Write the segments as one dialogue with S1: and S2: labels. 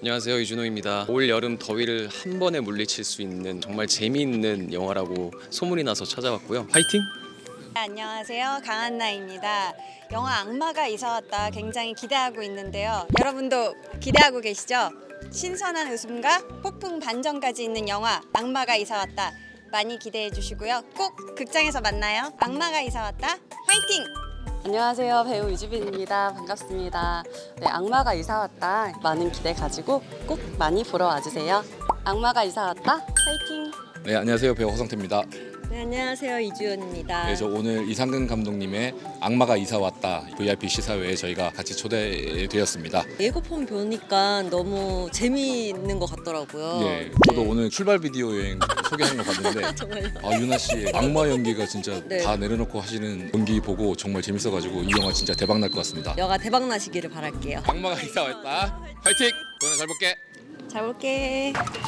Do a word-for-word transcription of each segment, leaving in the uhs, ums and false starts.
S1: 안녕하세요, 이준호입니다. 올 여름 더위를 한 번에 물리칠 수 있는 정말 재미있는 영화라고 소문이 나서 찾아왔고요. 화이팅!
S2: 네, 안녕하세요, 강한나입니다. 영화 악마가 이사 왔다 굉장히 기대하고 있는데요. 여러분도 기대하고 계시죠? 신선한 웃음과 폭풍 반전까지 있는 영화 악마가 이사 왔다 많이 기대해 주시고요. 꼭 극장에서 만나요. 악마가 이사 왔다 화이팅!
S3: 안녕하세요, 배우 유지빈입니다. 반갑습니다. 네, 악마가 이사 왔다 많은 기대 가지고 꼭 많이 보러 와주세요. 악마가 이사 왔다 파이팅!
S4: 네, 안녕하세요. 배우 허성태입니다.
S2: 네, 안녕하세요, 이주연입니다.
S4: 네, 저 오늘 이상근 감독님의 악마가 이사 왔다 브이아이피 시사회에 저희가 같이 초대되었습니다.
S5: 예고편 보니까 너무 재미있는 것 같더라고요.
S4: 네, 저도 오늘 출발 비디오 여행 소개하는 거 봤는데
S5: 정말요?
S4: 아, 유나 씨의 악마 연기가 진짜
S5: 네.
S4: 다 내려놓고 하시는 연기 보고 정말 재밌어가지고 이 영화 진짜 대박 날 것 같습니다.
S5: 영화 대박 나시기를 바랄게요.
S4: 악마가 이사 왔다. 화이팅! 도현아 잘 볼게.
S2: 잘 볼게.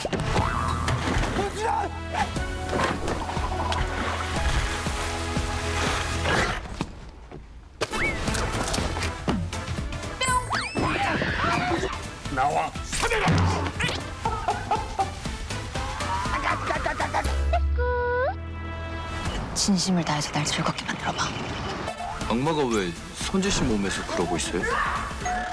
S6: 진심을 다해서 날 즐겁게 만들어봐.
S7: 악마가 왜 선재 씨 몸에서 그러고 있어요?